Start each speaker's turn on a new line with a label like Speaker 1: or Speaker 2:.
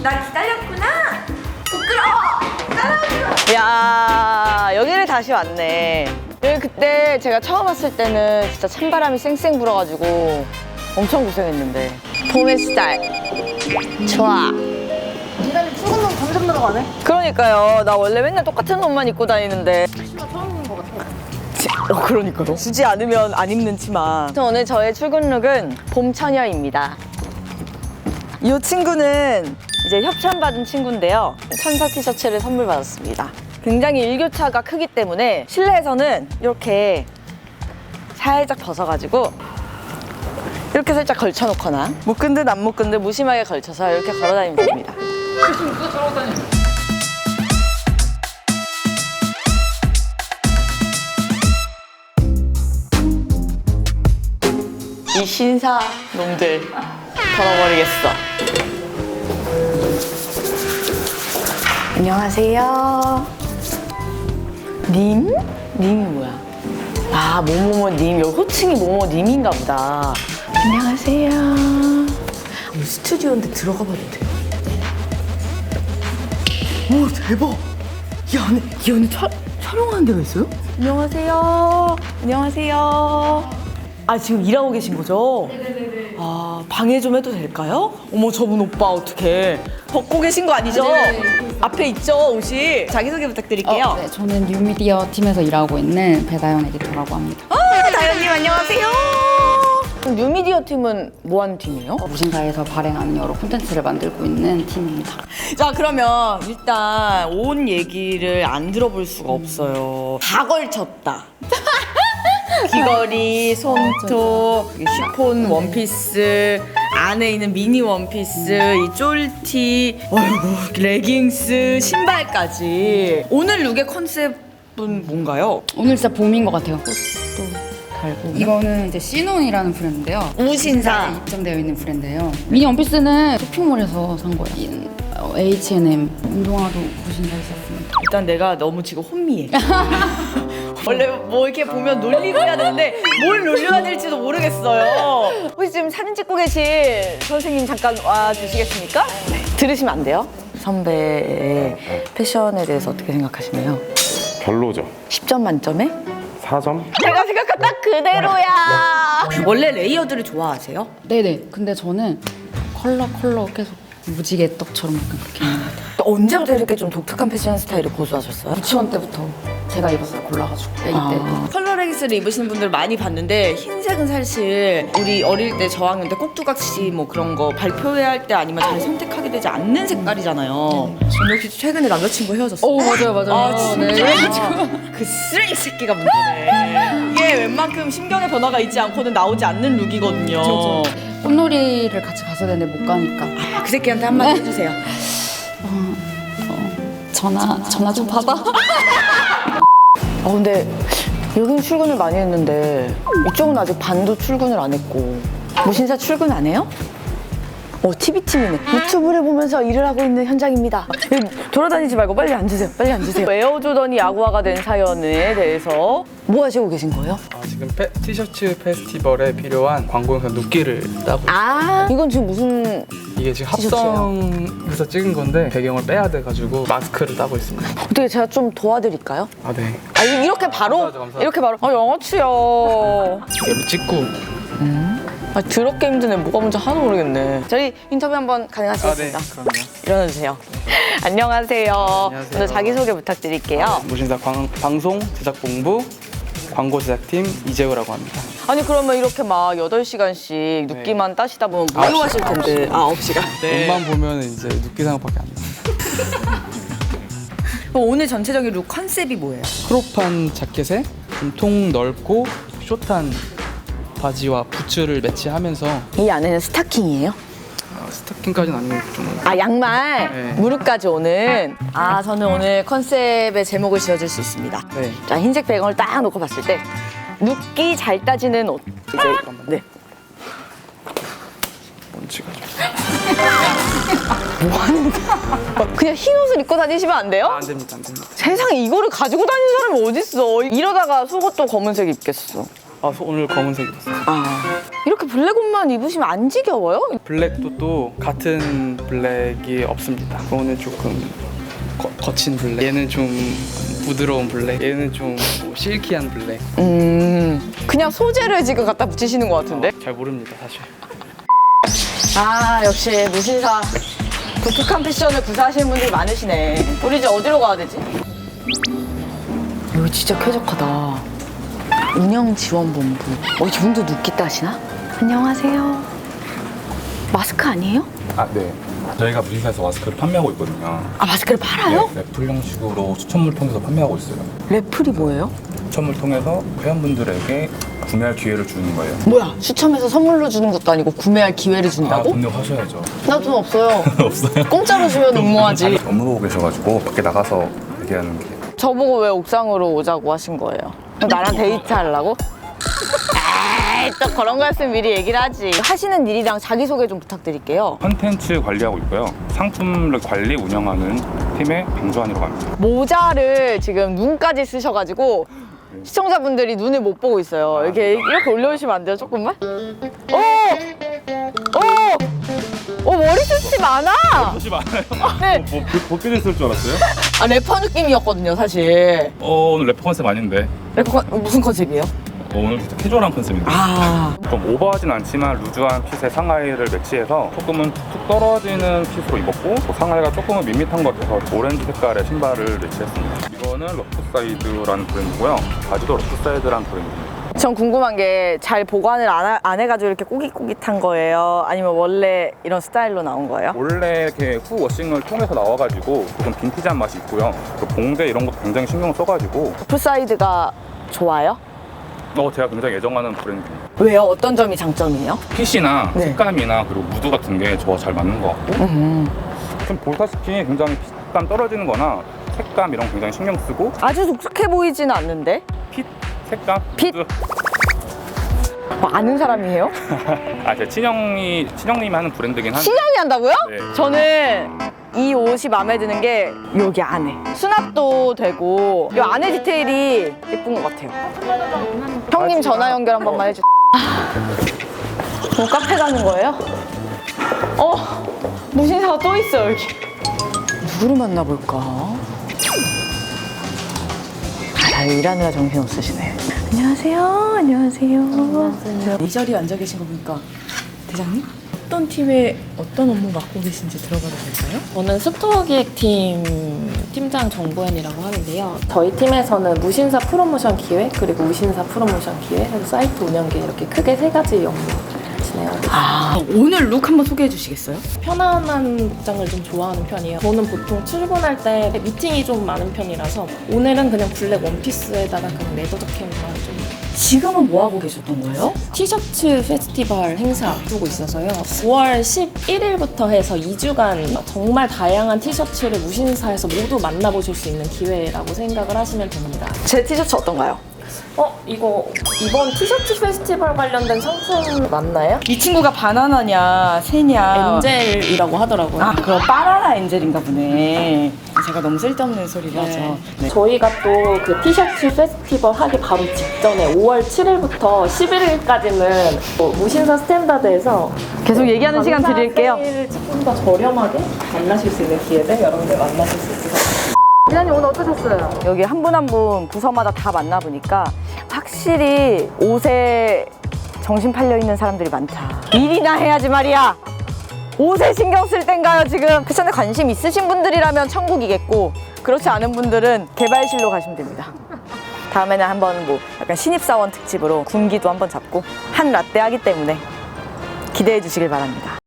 Speaker 1: 나 기다렸구나. 부끄러워. 따라오지 마.
Speaker 2: 야, 여기를 다시 왔네. 여기 그때 제가 처음 왔을 때는 진짜 찬바람이 쌩쌩 불어가지고 엄청 고생했는데. 봄의 스타일. 좋아.
Speaker 1: 니네 출근은 점점 늘어가네.
Speaker 2: 그러니까요. 나 원래 맨날 똑같은 옷만 입고 다니는데.
Speaker 1: 치마 처음 입는 것 같아.
Speaker 2: 그러니까요. 주지 않으면 안 입는 치마. 오늘 저의 출근 룩은 봄처녀입니다. 이 친구는 이제 협찬받은 친구인데요. 천사 티셔츠를 선물 받았습니다. 굉장히 일교차가 크기 때문에 실내에서는 이렇게 살짝 벗어가지고 이렇게 살짝 걸쳐놓거나 묶은 듯 안 묶은 듯 무심하게 걸쳐서 이렇게 걸어다니면 됩니다.
Speaker 3: 지금 누가 저러고 다녀?
Speaker 2: 이 신사 놈들 걸어버리겠어. 안녕하세요. 님? 님이 뭐야? 아, 뭐뭐뭐님. 여기 호칭이 뭐뭐님인가 보다. 안녕하세요. 스튜디오인데 들어가 봐도 돼요? 오, 대박. 이 안에 촬영하는 데가 있어요? 안녕하세요. 안녕하세요. 아, 지금 일하고 계신 거죠? 네네네. 아, 방해 좀 해도 될까요? 어머, 저분 오빠 어떡해. 벗고 계신 거 아니죠?
Speaker 4: 네.
Speaker 2: 앞에 있죠, 옷이. 자기소개 부탁드릴게요.
Speaker 4: 네, 저는 뉴미디어 팀에서 일하고 있는 배다연 에디터라고 합니다.
Speaker 2: 다현님 안녕하세요. 뉴미디어 팀은 뭐 하는 팀이에요?
Speaker 4: 무신사에서 발행하는 여러 콘텐츠를 만들고 있는 팀입니다.
Speaker 2: 자, 그러면 일단 옷 얘기를 안 들어볼 수가 없어요. 다 걸쳤다. 귀걸이, 손톱, 쉬폰 원피스, 안에 있는 미니 원피스, 이 쫄티, 어이구, 레깅스, 신발까지. 오늘 룩의 컨셉은 뭔가요?
Speaker 4: 오늘 진짜 봄인 것 같아요.
Speaker 2: 달고.
Speaker 4: 이거는 이제 시논이라는 브랜드인데요.
Speaker 2: 우신사.
Speaker 4: 입점되어 있는 브랜드예요. 미니 원피스는 쇼핑몰에서 산 거예요. H&M 운동화도 무신사에서 샀습니다.
Speaker 2: 일단 내가 너무 지금 혼미해. 원래 뭐 이렇게 보면 놀리고 해야 되는데 뭘 놀려야 될지도 모르겠어요. 혹시 지금 사진 찍고 계신 선생님 잠깐 와주시겠습니까? 네. 들으시면 안 돼요? 선배의 패션에 대해서 어떻게 생각하시나요?
Speaker 5: 별로죠.
Speaker 2: 10점 만점에?
Speaker 5: 4점?
Speaker 2: 제가 생각한 딱 그대로야. 원래 레이어드를 좋아하세요?
Speaker 4: 네네. 근데 저는 컬러 계속 무지개 떡처럼 약간 그렇게 입는 것 같아요.
Speaker 2: 또 언제부터 이렇게 좀 독특한 패션 스타일을 고수하셨어요?
Speaker 4: 유치원 때부터 제가 입었어요. 골라가지고 애기 때.
Speaker 2: 컬러 레깅스를 입으시는 분들 많이 봤는데 흰색은 사실 우리 어릴 때 저학년 때 꼭두각시 뭐 그런 거 발표회할 할 때 아니면 잘 선택하게 되지 않는 색깔이잖아요. 저는 혹시 최근에 남자친구 헤어졌어요?
Speaker 4: 오, 맞아요.
Speaker 2: 아, 진짜?
Speaker 4: 네.
Speaker 2: 그 쓰레기 새끼가 문제네. 이게 웬만큼 심경의 변화가 있지 않고는 나오지 않는 룩이거든요.
Speaker 4: 꽃놀이를 같이 갔어야 되는데 못 가니까.
Speaker 2: 그 새끼한테 한마디 해주세요.
Speaker 4: 전화 좀 받아.
Speaker 2: 근데 여기는 출근을 많이 했는데 이쪽은 아직 반도 출근을 안 했고. 무신사 출근 안 해요? TV팀이네. 유튜브를 보면서 일을 하고 있는 현장입니다. 돌아다니지 말고 빨리 앉으세요. 빨리 앉으세요. 에어조던이 야구화가 된 사연에 대해서 뭐 하시고 계신 거예요?
Speaker 3: 지금 티셔츠 페스티벌에 필요한 광고 영상 눕기를 따고
Speaker 2: 이건 지금 무슨
Speaker 3: 이게 지금
Speaker 2: 티셔츠예요?
Speaker 3: 합성해서 찍은 건데 배경을 빼야 돼가지고 마스크를 따고 있습니다.
Speaker 2: 어떻게 제가 좀 도와드릴까요?
Speaker 3: 네.
Speaker 2: 이렇게 바로?
Speaker 3: 감사합니다.
Speaker 2: 이렇게 바로? 영어치요.
Speaker 3: 이게 찍고
Speaker 2: 더럽게 힘드네. 뭐가 뭔지 하나도 모르겠네. 저희 인터뷰 한번 가능하시겠습니까?
Speaker 3: 그럼요.
Speaker 2: 일어나주세요. 안녕하세요.
Speaker 3: 안녕하세요.
Speaker 2: 오늘 자기소개 부탁드릴게요.
Speaker 3: 무신사 방송 제작본부 광고 제작팀 이재우라고 합니다.
Speaker 2: 아니 그러면 이렇게 막 8시간씩 눕기만 따시다 보면 무료하실 텐데. 9시간.
Speaker 3: 옷만 보면 이제 눕기 생각밖에 안 나요.
Speaker 2: 그럼 오늘 전체적인 룩 컨셉이 뭐예요?
Speaker 3: 크롭한 자켓에 좀 통 넓고 숏한 바지와 부츠를 매치하면서
Speaker 2: 이 안에는 스타킹이에요?
Speaker 3: 스타킹까지는 아니고 좀
Speaker 2: 양말
Speaker 3: 네.
Speaker 2: 무릎까지 오는. 저는 오늘 컨셉의 제목을 지어줄 수 있습니다.
Speaker 3: 네.
Speaker 2: 자, 흰색 배경을 딱 놓고 봤을 때 눕기 잘 따지는 옷. 이제 네.
Speaker 3: 먼지가
Speaker 2: 그냥 흰 옷을 입고 다니시면 안 돼요?
Speaker 3: 안 됩니다.
Speaker 2: 세상에 이거를 가지고 다니는 사람이 어딨어. 이러다가 속옷도 검은색 입겠어.
Speaker 3: 오늘 검은색 입었어요.
Speaker 2: 이렇게 블랙 옷만 입으시면 안 지겨워요?
Speaker 3: 블랙도 또 같은 블랙이 없습니다. 오늘 조금 거친 블랙. 얘는 좀 부드러운 블랙. 얘는 좀 실키한 블랙.
Speaker 2: 그냥 소재를 지금 갖다 붙이시는 것 같은데?
Speaker 3: 잘 모릅니다, 사실.
Speaker 2: 역시 무신사 독특한 패션을 구사하시는 분들이 많으시네. 우리 이제 어디로 가야 되지? 이거 진짜 쾌적하다. 운영지원본부. 이분도 눕기 따시나? 안녕하세요. 마스크 아니에요?
Speaker 6: 네. 저희가 무신사에서 마스크를 판매하고 있거든요.
Speaker 2: 마스크를 팔아요?
Speaker 6: 네, 래플 형식으로 추첨을 통해서 판매하고 있어요.
Speaker 2: 래플이 뭐예요?
Speaker 6: 추첨을 통해서 회원분들에게 구매할 기회를 주는 거예요.
Speaker 2: 뭐야? 추첨해서 선물로 주는 것도 아니고 구매할 기회를 준다고?
Speaker 6: 등록하셔야죠.
Speaker 2: 나 돈 없어요.
Speaker 6: 없어요?
Speaker 2: 공짜로 주면 응모하지.
Speaker 6: 업무 보고 계셔가지고 밖에 나가서 얘기하는 게.
Speaker 2: 저보고 왜 옥상으로 오자고 하신 거예요? 나랑 데이트 하려고? 에이, 또 그런 거였으면 미리 얘기를 하지. 하시는 일이랑 자기소개 좀 부탁드릴게요.
Speaker 6: 컨텐츠 관리하고 있고요. 상품을 관리 운영하는 팀의 방조환이라고 합니다.
Speaker 2: 모자를 지금 눈까지 쓰셔가지고 시청자분들이 눈을 못 보고 있어요. 이렇게 올려주시면 안 돼요? 조금만? 머리숱이 많아!
Speaker 6: 혹시 많아요?
Speaker 2: 네.
Speaker 6: 벗겨져 있을 줄 알았어요?
Speaker 2: 래퍼 느낌이었거든요, 사실.
Speaker 6: 오늘 래퍼 컨셉 아닌데.
Speaker 2: 래퍼 무슨 컨셉이에요?
Speaker 6: 오늘 진짜 캐주얼한 컨셉인데. 좀 오버하진 않지만 루즈한 핏의 상하이를 매치해서 조금은 툭툭 떨어지는 핏으로 입었고 또 상하이가 조금은 밋밋한 것 같아서 오렌지 색깔의 신발을 매치했습니다. 이거는 러프사이드라는 브랜드고요. 바지도 러프사이드라는 브랜드입니다.
Speaker 2: 전 궁금한 게 잘 보관을 안 해가지고 이렇게 꼬깃꼬깃한 거예요? 아니면 원래 이런 스타일로 나온 거예요?
Speaker 6: 원래 이렇게 후 워싱을 통해서 나와가지고 조금 빈티지한 맛이 있고요. 또 봉제 이런 것도 굉장히 신경 써가지고
Speaker 2: 풀사이드가 좋아요?
Speaker 6: 제가 굉장히 애정하는 브랜드입니다.
Speaker 2: 왜요? 어떤 점이 장점이에요?
Speaker 6: 핏이나
Speaker 2: 네.
Speaker 6: 색감이나 그리고 무드 같은 게 저와 잘 맞는 것 같고 지금 보시다시피 굉장히 핏감 떨어지는 거나 색감 이런 거 굉장히 신경 쓰고
Speaker 2: 아주 독특해 보이지는 않는데?
Speaker 6: 핏, 색감,
Speaker 2: 핏?
Speaker 6: 무드.
Speaker 2: 아는 사람이에요?
Speaker 6: 제 친형님이 하는 브랜드긴 한데
Speaker 2: 신형이 한다고요?
Speaker 6: 네.
Speaker 2: 저는 이 옷이 마음에 드는 게 여기 안에 수납도 되고 이 안에 디테일이 예쁜 것 같아요. 형님 전화 연결 한 번만 해주세요. 뭐 카페 가는 거예요? 무신사가 또 있어요 여기. 누구를 만나볼까? 일하느라 정신 없으시네. 안녕하세요. 안녕하세요.
Speaker 7: 이 자리에 앉아 계신 거 보니까 대장님? 어떤 팀에 어떤 업무 맡고 계신지 들어봐도 될까요?
Speaker 8: 저는 스토어 기획팀 팀장 정보현이라고 하는데요. 저희 팀에서는 무신사 프로모션 기획 그리고 무신사 프로모션 기획 그리고 사이트 운영 기획 이렇게 크게 세 가지 업무 진행하고 있습니다.
Speaker 7: 오늘 룩 한번 소개해 주시겠어요?
Speaker 8: 편안한 복장을 좀 좋아하는 편이에요. 저는 보통 출근할 때 미팅이 좀 많은 편이라서 오늘은 그냥 블랙 원피스에다가 그냥 레더 자켓만 좀
Speaker 7: 지금은 뭐 하고 계셨던 거예요?
Speaker 8: 티셔츠 페스티벌 행사 앞두고 있어서요. 5월 11일부터 해서 2주간 정말 다양한 티셔츠를 무신사에서 모두 만나보실 수 있는 기회라고 생각을 하시면 됩니다.
Speaker 2: 제 티셔츠 어떤가요?
Speaker 8: 이거 이번 티셔츠 페스티벌 관련된 상품 맞나요?
Speaker 7: 이 친구가 바나나냐 새냐
Speaker 8: 엔젤이라고 하더라고요.
Speaker 7: 그럼 바나나 엔젤인가 보네. 제가 너무 쓸데없는 소리를 하죠. 네.
Speaker 8: 저희가 또 그 티셔츠 페스티벌 하기 바로 직전에 5월 7일부터 11일까지는 무신사 스탠다드에서
Speaker 2: 계속 얘기하는 시간 드릴게요.
Speaker 8: 세일을 조금 더 저렴하게 만나실 수 있는 기회를 여러분들 만나실 수 있어서
Speaker 2: 기자님 오늘 어떠셨어요? 여기 한 분 한 분 부서마다 다 만나보니까 확실히 옷에 정신 팔려 있는 사람들이 많다. 일이나 해야지 말이야. 옷에 신경 쓸 땐가요 지금? 패션에 관심 있으신 분들이라면 천국이겠고 그렇지 않은 분들은 개발실로 가시면 됩니다. 다음에는 한번 뭐 약간 신입사원 특집으로 군기도 한번 잡고 한 라떼 하기 때문에 기대해 주시길 바랍니다.